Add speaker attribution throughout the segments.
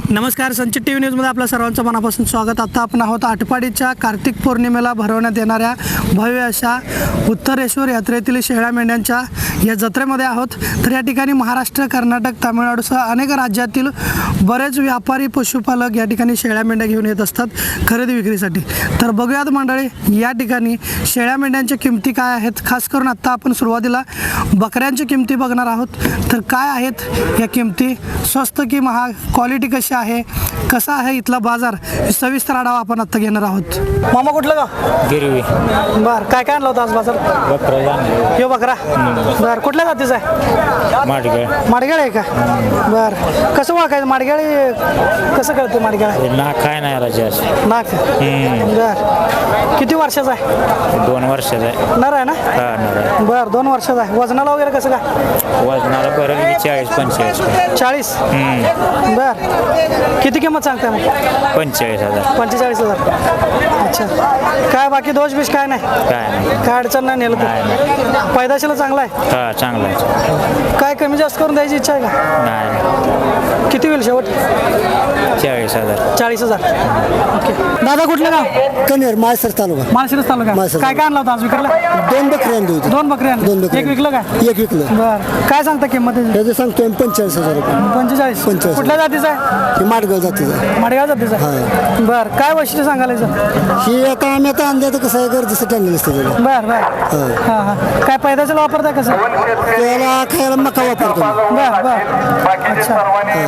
Speaker 1: नमस्कार, संचित T V न्यूजमध्ये आपल्या सर्वांचं मनापासून स्वागत. आता आपण आहोत आटपाडीच्या कार्तिक पौर्णिमेला भरवण्यात येणाऱ्या भव्य अशा उत्तरेश्वर यात्रेतील शेळ्या मेंढ्यांच्या या जत्रेमध्ये आहोत. तर या ठिकाणी महाराष्ट्र, कर्नाटक, तामिळनाडूसह अनेक राज्यातील बरेच व्यापारी, पशुपालक या ठिकाणी शेळ्या मेंढ्या घेऊन येत असतात खरेदी विक्रीसाठी. तर बघूयात मंडळी, या ठिकाणी शेळ्या मेंढ्यांच्या किमती काय आहेत. खास करून आत्ता आपण सुरुवातीला बकऱ्यांच्या किमती बघणार आहोत. तर काय आहेत या किमती, स्वस्त की महाग, क्वालिटी कशी आहे, कसा आहे इथला बाजार, सविस्तर आढावा आपण आता घेणार आहोत. मामा कुठलं गाव?
Speaker 2: गिरवी.
Speaker 1: बर, काय काय आणलं होतं आज बाजार?
Speaker 2: बकरा.
Speaker 1: यो बकरा. बर, कुठल्या जातीचा आहे?
Speaker 2: माडगळ.
Speaker 1: माडगेळ आहे का? बर, कसं ओळखायचं माडगेळ? कसं कळतं माडगेळ?
Speaker 2: नाक काय नाही राजा.
Speaker 1: नाक. बर, किती वर्षाचा आहे?
Speaker 2: 2 वर्षाचा आहे.
Speaker 1: नर आहे ना?
Speaker 2: हा नर आहे.
Speaker 1: बर, 2 वर्षाचा आहे. वजनाला वगैरे कसं काय?
Speaker 2: वजनाला बरं 40-45.
Speaker 1: 40. बर, किती किंमत सांगताय मग?
Speaker 2: 45,000.
Speaker 1: 45,000. अच्छा, काय बाकी दोष बिष काय नाही?
Speaker 2: काय नाही.
Speaker 1: काय अडचण नाही नेलं तर? पैदाशीला चांगला आहे?
Speaker 2: हा चांगला आहे.
Speaker 1: काय कमी जास्त करून द्यायची इच्छा आहे का?
Speaker 2: नाही.
Speaker 1: किती होईल शेवट?
Speaker 2: 40,000.
Speaker 1: 40,000. ओके. दादा कुठलं गाव?
Speaker 3: कनेर माळसर तालुका.
Speaker 1: माळशिरस तालुका.
Speaker 3: माळशिरस
Speaker 1: काय काय आणलं होतं आज विक्रीला?
Speaker 3: 2 बकरी आणली होती.
Speaker 1: 2 बकरी आणली.
Speaker 3: 2 बकरी.
Speaker 1: एक विकलं काय?
Speaker 3: एक विकलं.
Speaker 1: बर, काय सांगता किंमत त्याची?
Speaker 3: त्याचं सांगतोय 45,000 रुपये.
Speaker 1: 45.
Speaker 3: 45.
Speaker 1: कुठल्या जातीचा आहे?
Speaker 3: ही माडगाव जातीचं.
Speaker 1: माडगाव जातीचा आहे. बर, काय वैशिष्ट्य सांगायला याचं?
Speaker 3: ही आता आम्ही आता आणल्या तर कसं आहे, गरजेचं आणलेलं असतं त्याला.
Speaker 1: बर बर. हां हां, काय पैदाशीला वापरताय कसं?
Speaker 3: त्याला खायला मका वापरतो.
Speaker 1: बर बर. अच्छा,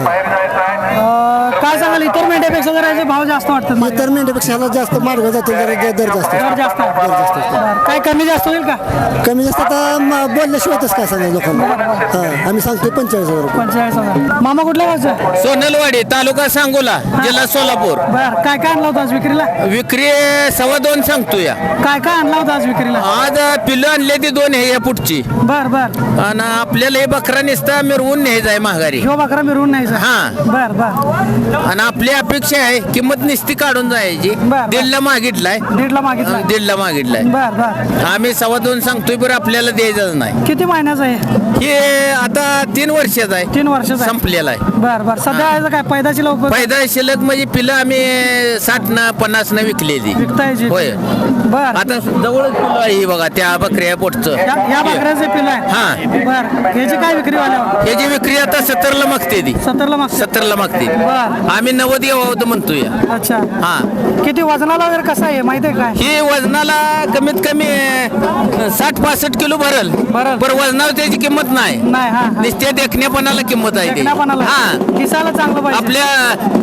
Speaker 1: काय सांगाल इतर मेंढ्यापेक्षा जरा याचे भाव जास्त वाटतात मला.
Speaker 3: इतर मेंढ्यापेक्षा ह्याला जास्त माडगाव जातील जरा दर जास्त.
Speaker 1: दर जास्त आहे.
Speaker 3: दर जास्त असतो.
Speaker 1: बरं, काय कमी जास्त होईल का?
Speaker 3: कमी जास्त आता बोलल्याशिवायच काय सांगायचं लोकांना. हां, आम्ही सांगतोय 45,000 रुपये.
Speaker 1: 45,000. मामा कुठल्या गावचं?
Speaker 4: सोनलवाडी, तालुका सांगोला, जिल्हा सोलापूर.
Speaker 1: बर, काय काय आणलं होतं आज विक्रीला?
Speaker 4: विक्री 2.25 सांगतो या.
Speaker 1: काय काय आणलं होतं आज विक्रीला?
Speaker 4: आज पिल्लं आणले ती 2 हे या पुढची.
Speaker 1: बर बर.
Speaker 4: आणि आपल्याला हे बकरा निसता मिरवून न्यायचा आहे माघारी.
Speaker 1: ह्यो बकरा मिरवून नाही.
Speaker 4: हां.
Speaker 1: बर बर.
Speaker 4: आणि आपली अपेक्षा आहे किंमत निस्ती काढून जायची.
Speaker 1: बर.
Speaker 4: 1.5 मागितलाय.
Speaker 1: 1.5 मागितलं.
Speaker 4: 1.5 मागितलाय.
Speaker 1: बर बर.
Speaker 4: आम्ही 2.25 सांगतोय, बरं आपल्याला द्यायचंच नाही.
Speaker 1: किती महिन्याचं आहे?
Speaker 4: हे आता 3 वर्षाचा आहे.
Speaker 1: 3 वर्षाचं आहे.
Speaker 4: संपलेला आहे.
Speaker 1: बर बर. सध्या याचं काय पैदाशी लवकर
Speaker 4: फायदा शिल्लक म्हणजे पिलं आम्ही 60-50 विकलेली.
Speaker 1: विकतायची?
Speaker 4: होय.
Speaker 1: बर.
Speaker 4: आता जवळच पिल्लं आहे ही बघा, त्या बकऱ्या पोटचं.
Speaker 1: या बकऱ्याचे पिलं आहे?
Speaker 4: हां.
Speaker 1: बर, याची काय विक्री वाल्यावर?
Speaker 4: याची विक्री आता 70ला मागते ती.
Speaker 1: 70ला मागतात.
Speaker 4: 70ला मागते.
Speaker 1: बर.
Speaker 4: आम्ही 90 यावं म्हणतोय.
Speaker 1: अच्छा,
Speaker 4: हा.
Speaker 1: किती वजनाला वगैरे कसं आहे माहिती आहे काय?
Speaker 4: ही वजनाला कमीत कमी 60-65 किलो भरल.
Speaker 1: भरल.
Speaker 4: पण वजनावर त्याची किंमत नाही.
Speaker 1: नाही. हा हा.
Speaker 4: नुसत्या देखण्यापणाला किंमत आहे
Speaker 1: देखण्यापणाला.
Speaker 4: हा.
Speaker 1: दिसायला चांगलं पाहिजे.
Speaker 4: आपल्या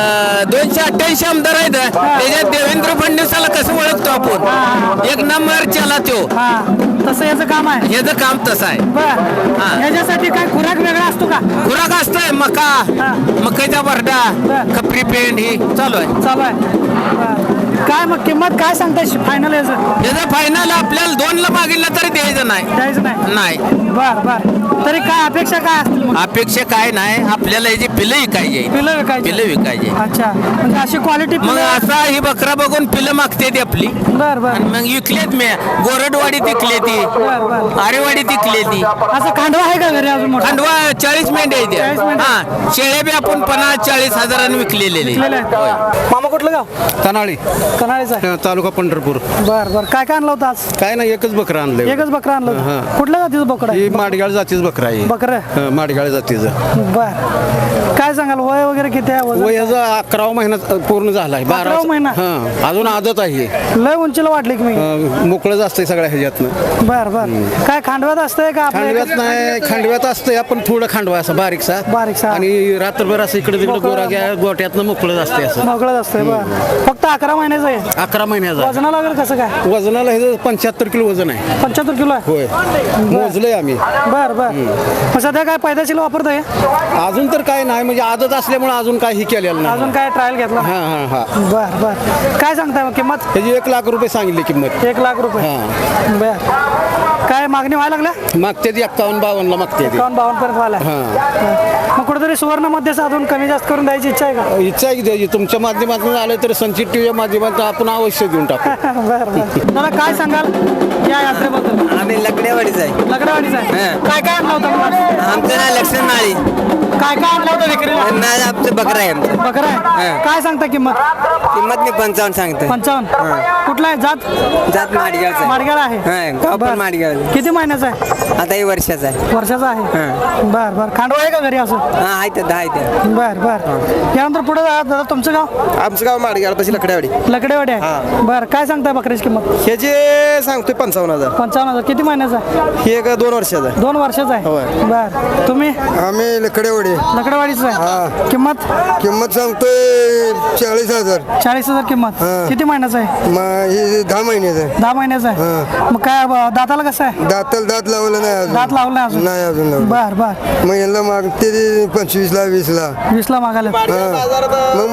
Speaker 4: 288 आमदार आहेत. त्याच्यात देवेंद्र फडणवीसाला कसं ओळखतो आपण? 1 नंबर चला तो.
Speaker 1: हा, तसं याचं काम आहे.
Speaker 4: याचं काम तसं आहे.
Speaker 1: बर,
Speaker 4: हा.
Speaker 1: याच्यासाठी काय खुराक वेगळा असतो का?
Speaker 4: खुराक असतोय मका,
Speaker 1: हा.
Speaker 4: मकाईचा भरडा,
Speaker 1: बर.
Speaker 4: खपरी पेंड ही चालू आहे.
Speaker 1: चालू आहे. बर. काय मग किंमत काय सांगताय फायनल याचं?
Speaker 4: याचं फायनल आपल्याला 2ला मागितलं तरी द्यायचं नाही.
Speaker 1: द्यायचं नाही?
Speaker 4: नाही.
Speaker 1: बर बर. तरी काय अपेक्षा काय असतील मग?
Speaker 4: अपेक्षा काय नाही, आपल्याला याची पिलं विकायची.
Speaker 1: पिलं विकायची?
Speaker 4: पिलं विकायची.
Speaker 1: अच्छा, म्हणजे अशी क्वालिटी.
Speaker 4: मग असा ही बकरा बघून पिलं मागते ती आपली.
Speaker 1: बर बर.
Speaker 4: आणि मग विकलेत मी. गोरडवाडी तिकले ती,
Speaker 1: बर बर.
Speaker 4: आरेवाडी तिकले ती.
Speaker 1: असं खांडवा आहे का घरी अजून मोठा?
Speaker 4: खंडवा 40 मेंढ्या
Speaker 1: 40
Speaker 4: आहेत.
Speaker 1: मेंढ्या.
Speaker 4: हा, शेळ्या बी आपण 50-40 हजारांनी विकलेले.
Speaker 1: विकलेले आहेत? मामा कुठलं गाव?
Speaker 5: तनाळी
Speaker 1: कनाळीचं आहे.
Speaker 5: तालुका पंढरपूर.
Speaker 1: बर बर. काय काय आणलं होतं आज?
Speaker 5: काय नाही, एकच बकरं आणलंय.
Speaker 1: एकच बकरा आणलं होतं?
Speaker 5: हां.
Speaker 1: कुठल्या जातीचं बोकडं
Speaker 5: ही
Speaker 1: आहे?
Speaker 5: माडगाळ जातीच बकरा आहे.
Speaker 1: बकरं?
Speaker 5: माडगाळ जातीचं.
Speaker 1: बर. काय सांगाल वय वगैरे किती आहे? वजन?
Speaker 5: वय याचा 11वा महिना पूर्ण झालाय.
Speaker 1: 11वा महिना?
Speaker 5: हां, अजून आदत आहे.
Speaker 1: लय उंचीला वाटली की मी.
Speaker 5: मोकळंच असतंय सगळ्या ह्याच्यातनं.
Speaker 1: बर बर. काय खांडव्यात असतंय का आपल्या
Speaker 5: खांडव्यात नाही, खांडव्यात असतंय आपण थोडं खांडवा असं बारीकसा.
Speaker 1: बारीकसा.
Speaker 5: आणि रात्रभर असं इकडे तिकडे
Speaker 1: मोकळं.
Speaker 5: गोरा गोट्यातनं मोकळंच असतंय असं.
Speaker 1: मोकळत असतंय? बर. फक्त 11 महिन्याचं आहे?
Speaker 5: 11 महिन्याचा.
Speaker 1: वजनाला वगैरे कसं काय?
Speaker 5: वजनाला हे 75 किलो वजन आहे.
Speaker 1: 75 किलो आहे?
Speaker 5: होय, मोजलंय आम्ही.
Speaker 1: बर बर. मग सध्या काय पैदाशीला वापरताय?
Speaker 5: अजून तर काय नाही, म्हणजे आदत असल्यामुळे अजून काही केलेलं नाही.
Speaker 1: अजून काय ट्रायल घेतला?
Speaker 5: हां हां हां.
Speaker 1: बर बर. काय सांगताय मग किंमत?
Speaker 5: त्याची 1 लाख रुपये सांगितली किंमत.
Speaker 1: 1 लाख रुपये?
Speaker 5: हां.
Speaker 1: बर. काय मागणी व्हायला लागल्या?
Speaker 5: मागते ती 51-52ला मागते ती.
Speaker 1: 51-52 पर्यंत व्हायला?
Speaker 5: हां.
Speaker 1: मग कुठेतरी सुवर्णमध्ये साधून कमी जास्त करून द्यायची इच्छा आहे का?
Speaker 5: इच्छा आहे की द्यायची. तुमच्या माध्यमातून आलं तर संचित टीव्हीच्या माध्यमातून आपण अवश्य देऊन टाकू.
Speaker 1: बर बर. मला काय सांगाल या यात्रेबद्दल?
Speaker 6: आम्ही लकडेवाडीच आहे.
Speaker 1: लकडावाडीचा आहे?
Speaker 6: हां.
Speaker 1: काय काय आणलं होतं मग?
Speaker 6: आमचं नाव लक्ष्मण माळी.
Speaker 1: काय काय आणलं होतं विक्रीला?
Speaker 4: नाही आमचं बकरा आहे आमचं.
Speaker 1: बकरा आहे. काय सांगता किंमत?
Speaker 4: किंमत मी 55 सांगतो.
Speaker 1: 55. कुठला आहे जात?
Speaker 4: जात माडगावचं
Speaker 1: माडगाळ आहे.
Speaker 4: गाव पण
Speaker 1: बरं.
Speaker 4: माडगाव.
Speaker 1: किती महिन्याचा आहे?
Speaker 4: आता हे वर्षाचा आहे.
Speaker 1: वर्षाचा आहे. बर बर. खांडवा आहे का घरी असं?
Speaker 4: हा आहे ते 10 आहे ते.
Speaker 1: बर बर. यानंतर पुढे दादा तुमचं गाव?
Speaker 5: आमचं गाव माडगाव पशी लकड्यावाडी.
Speaker 1: लकडेवाडी आहे. बर काय सांगताय बकऱ्याची किंमत?
Speaker 5: हे जे सांगतोय 55,000.
Speaker 1: 55,000. किती महिन्याचा आहे?
Speaker 5: हे एक 2 वर्षाचं आहे.
Speaker 1: 2 वर्षाचा
Speaker 5: होय.
Speaker 1: आहे. बर तुम्ही?
Speaker 3: आम्ही लकडेवाडी
Speaker 1: लकडेवाडीचं आहे. किंमत?
Speaker 3: किंमत सांगतोय 40,000.
Speaker 1: 40,000 किंमत. किती महिन्याचा आहे?
Speaker 3: मग ही 10 महिन्याचं आहे.
Speaker 1: 10 महिन्याचा आहे. मग काय दाताला कसं आहे?
Speaker 3: दात लावलं नाही अजून.
Speaker 1: दात लावलं नाही अजून?
Speaker 3: नाही अजून लावलं.
Speaker 1: बर बर.
Speaker 3: मग यांना मागते 25ला 20ला.
Speaker 1: 20ला मागायला.
Speaker 3: मग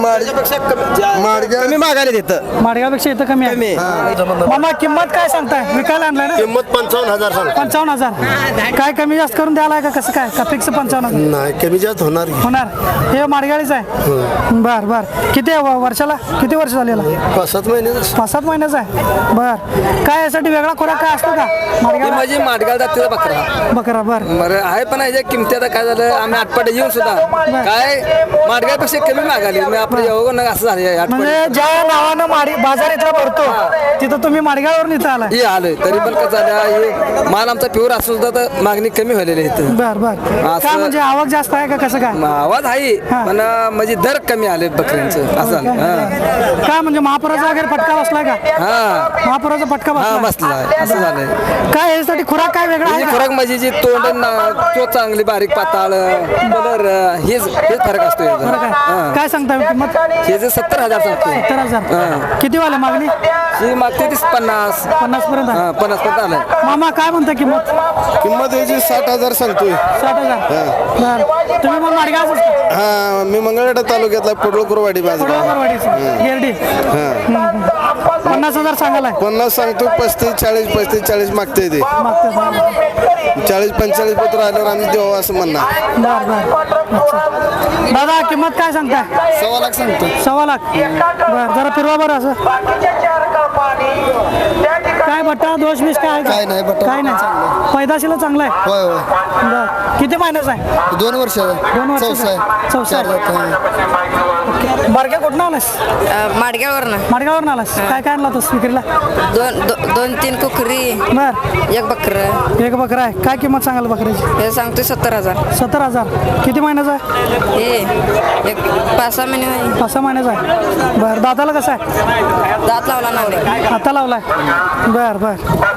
Speaker 3: माडगाव
Speaker 5: कमी मागायला देतं.
Speaker 1: माडगावपेक्षा इथं कमी आहे. मामा किंमत काय सांगताय? विकायला आणलाय ना?
Speaker 3: किंमत 55,000 सांग.
Speaker 1: 55,000. काय कमी जास्त करून द्यायला का कसं काय? का फिक्स 55,000
Speaker 3: नाही कमी जास्त होणार की.
Speaker 1: होणार? हे माडगाळीच आहे. बर बर. किती आहे वर्षाला? किती वर्ष झालेला?
Speaker 3: 5-7 महिन्याचं.
Speaker 1: 5-7 महिन्याचा आहे. बर. काय यासाठी वेगळा खोराक काय असतो का? माडगाळ
Speaker 4: माझी माडगाव जातीचा बकरा.
Speaker 1: बकरा. बर
Speaker 4: बरं आहे पण ह्याच्या किमती आता काय झालं आम्ही आठपाडे येऊन सुद्धा काय माडगावपेक्षा कमी मागाली मी आपलं येऊ असं झालं
Speaker 1: म्हणजे ज्या नावानं बाजार इथला भरतो तिथं तुम्ही माडगाळवरून इथं आलाय?
Speaker 4: हे आलोय तरी पण कसं झालं हे माल आमचा प्युअर असून सुद्धा तर मागणी कमी व्हायलेली आहे इथं.
Speaker 1: बर बर. काय म्हणजे आवक जास्त आहे का कसं काय?
Speaker 4: आवाज आहे पण म्हणजे दर कमी आले बकऱ्यांचं असं झालं. हा.
Speaker 1: काय म्हणजे महापुराचा वगैरे फटका बसलाय का?
Speaker 4: हा
Speaker 1: महापुराचा फटका
Speaker 4: हा
Speaker 1: बसला?
Speaker 4: बसला असं झालंय.
Speaker 1: काय यासाठी खुराक काय वेगळा आहे
Speaker 4: ही
Speaker 1: का?
Speaker 4: खुराक म्हणजे जी तोंड चोच चांगली बारीक पाताळ कलर हेच फरक असतो याचा.
Speaker 1: फरक आहे.
Speaker 4: हा.
Speaker 1: काय सांगता किंमत?
Speaker 4: हे जे 70,000 सांगतो
Speaker 1: 70,000. किती वाले मागणी?
Speaker 4: ही मागते 50
Speaker 1: 50 पर्यंत आहे.
Speaker 4: 50 पर्यंत आलंय.
Speaker 1: मामा काय म्हणता किंमत?
Speaker 3: किंमत याची 60,000 सांगतोय.
Speaker 1: 60,000. बर. तुम्ही मग माडगावच असता?
Speaker 3: हा मी मंगळवेढा तालुक्यातला पडळकुरवाडी माझं गाव.
Speaker 1: पडवळवाडीचं. गिरडी. 50,000 सांगायला
Speaker 3: 50 सांगतो 35-40 मागते ते.
Speaker 1: मागते.
Speaker 3: 40-45 पत्र आल्यावर आम्ही देऊ असं म्हणणार.
Speaker 1: बर बर. अच्छा. दादा किंमत काय सांगताय?
Speaker 3: 1.25 लाख सांगतो.
Speaker 1: 1.25 लाख. बर जरा फिरवा बरं असं. काय बट्टा दोष मिस काय आहे का?
Speaker 3: काय नाही, बट्टा
Speaker 1: काय नाही. पैदाशीला चांगला आहे.
Speaker 3: होय होय.
Speaker 1: बर. किती महिन्याचा आहे?
Speaker 3: 2 वर्ष
Speaker 1: 2 वर्ष. चौसा. बारक्या कुठं आलास?
Speaker 6: माडगाववरनं
Speaker 1: माडगाववरून आलास. काय काय आणला होतास विक्रीला?
Speaker 6: दोन 3 कुकरी
Speaker 1: बर.
Speaker 6: एक बकर
Speaker 1: एक बकरा आहे. काय किंमत सांगाल बकऱ्याची?
Speaker 6: हे सांगतोय 70,000.
Speaker 1: 70,000. किती महिन्याचा आहे?
Speaker 6: हे एक 5-6 महिने नाही.
Speaker 1: 5-6 महिन्याचा आहे. बर. दाताला कसं आहे?
Speaker 6: दात लावला नाही
Speaker 1: आता लावलाय. बर बर.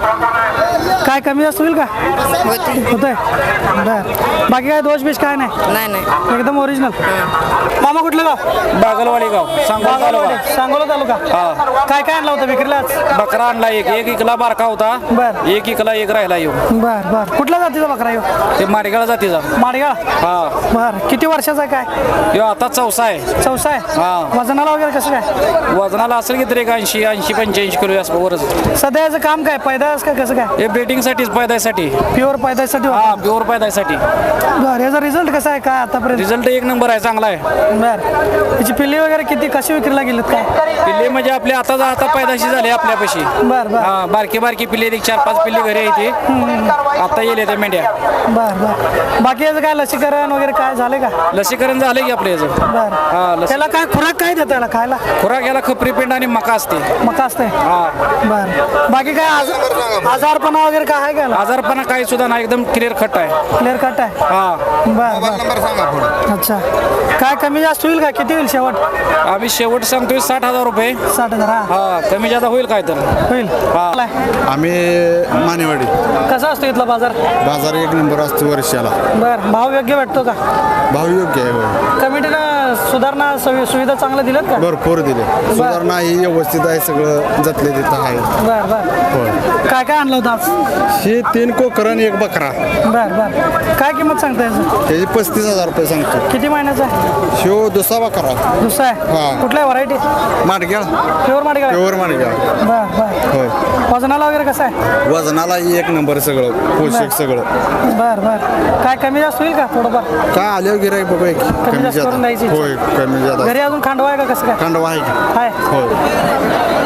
Speaker 1: काय कमी जास्त होईल का?
Speaker 6: होती
Speaker 1: होतंय. बर. बाकी काय दोष बिष काय नाही?
Speaker 6: नाही
Speaker 1: एकदम ओरिजिनल. मामा कुठलं गाव?
Speaker 2: बागलवाडी गाव
Speaker 1: बागलवाडी. सांगोला तालुका. काय काय आणलं होतं विक्रीला आज?
Speaker 2: बकरा आणला एक इकला बारका होता.
Speaker 1: बर.
Speaker 2: एक इकला एक राहिला येऊ
Speaker 1: बर बर. कुठल्या जातीचा बकरा येऊ?
Speaker 2: ते माडगाळ जातीचा.
Speaker 1: माडगाळ.
Speaker 2: हा
Speaker 1: बर. किती वर्षाचा आहे काय?
Speaker 2: यो आता चौसा आहे.
Speaker 1: चौसा आहे.
Speaker 2: हा.
Speaker 1: वजनाला वगैरे कसं काय?
Speaker 2: वजनाला असेल की तरी एक 80-85 किलो असं वरच.
Speaker 1: सध्या याचं काम काय? पैदास काय कसं काय?
Speaker 2: हे बेटिंगसाठीच पैदासाठी.
Speaker 1: प्युअर पैदासाठी.
Speaker 2: हा प्युअर पैदासाठी.
Speaker 1: बर. याचा रिझल्ट कसा आहे काय आतापर्यंत?
Speaker 2: रिझल्ट 1 नंबर आहे चांगला आहे.
Speaker 1: बर. याची पिल्ली वगैरे किती कशी विक्रीला गेलीत काय?
Speaker 2: पिल्ले म्हणजे आपले आता पैदाशी झाले आपल्यापाशी.
Speaker 1: बर बर.
Speaker 2: हा बारकी पिल्ले 4-5 पिल्ले घरी येते. आता येले त्या मेंढ्या.
Speaker 1: बर बर. बाकी याचं काय लसीकरण वगैरे काय झाले का?
Speaker 2: लसीकरण झालं की आपल्या याचं.
Speaker 1: बर.
Speaker 2: हा
Speaker 1: त्याला काय खुराक काय देतं याला खायला?
Speaker 2: खुराक याला खपरी पेंड आणि मका असते.
Speaker 1: मका असते.
Speaker 2: हा
Speaker 1: बर. बाकी काय आजारपणा वगैरे काय आहे का याला?
Speaker 2: आजारपणा काही सुद्धा नाही एकदम क्लिअर खट आहे.
Speaker 1: क्लिअर कट आहे.
Speaker 2: हा
Speaker 1: बर बर. अच्छा. काय कमी जास्त होईल का? किती होईल शेवट?
Speaker 2: आम्ही शेवट सांगतोय 60,000 रुपये.
Speaker 1: 60,000. हा
Speaker 2: हा कमी जादा होईल काय तर.
Speaker 1: होईल.
Speaker 2: हा.
Speaker 3: आम्ही मानेवाडी.
Speaker 1: कसा असतो इथला बाजार?
Speaker 3: बाजार 1 नंबर असतो वर्षाला.
Speaker 1: बर. भाव योग्य भेटतो का?
Speaker 3: भाव योग्य आहे होय.
Speaker 1: कमिटीनं सुधारणा सुविधा चांगल्या दिल्यात का?
Speaker 3: भरपूर दिले. सुधारणा ही व्यवस्थित आहे सगळं जतले तिथं आहे.
Speaker 1: बर बर.
Speaker 3: होय.
Speaker 1: काय काय आणलं होतं आज?
Speaker 3: हे 3 कोकर आणि 1 बकरा.
Speaker 1: बर बर. काय किंमत सांगता याचं?
Speaker 3: त्याची 35,000 रुपये सांगतो.
Speaker 1: किती महिन्याचा आहे?
Speaker 3: शिव 2 बकरा.
Speaker 1: दुसरा आहे.
Speaker 3: हा.
Speaker 1: कुठल्या व्हरायटी?
Speaker 3: माडगाळ.
Speaker 1: प्युअर माडगाव.
Speaker 3: प्युअर माडगाळ.
Speaker 1: बर बर.
Speaker 3: होय.
Speaker 1: वजनाला वगैरे कसं आहे?
Speaker 3: वजनाला 1 नंबर सगळं पोषक सगळं.
Speaker 1: बर बर. काय कमी जास्त होईल का थोडंफार?
Speaker 3: काय आल्यावर गिराईक बघूया की कमी
Speaker 1: जास्त करून द्यायची.
Speaker 3: जादा. होय कमी जादा.
Speaker 1: घरी अजून खांडवा आहे का कसं काय?
Speaker 3: खंडवा आहे की.
Speaker 1: आहे.
Speaker 3: होय.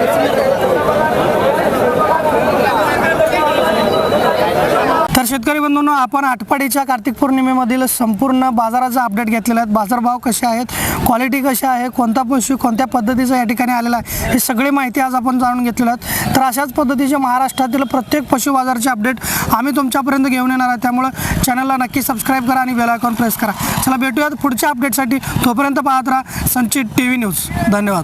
Speaker 1: तर शेतकरी बंधूंनो, आपण आटपाडीच्या कार्तिक पौर्णिमेमधील संपूर्ण बाजाराचा अपडेट घेतलेला आहे. बाजारभाव कसे आहेत, क्वालिटी कशी आहे, कोणता पशु कोणत्या पद्धतीचा या ठिकाणी आलेला आहे, ही सगळी माहिती आज आपण जाणून घेतलेली आहेत. तर अशाच पद्धतीचे महाराष्ट्रातील प्रत्येक पशु बाजाराचे अपडेट आम्ही तुमच्यापर्यंत घेऊन येणार आहे. त्यामुळे चॅनलला नक्की सबस्क्राईब करा आणि बेल आयकॉन प्रेस करा. चला भेटूयात पुढच्या अपडेटसाठी. तोपर्यंत पाहत राहा संचित TV न्यूज. धन्यवाद.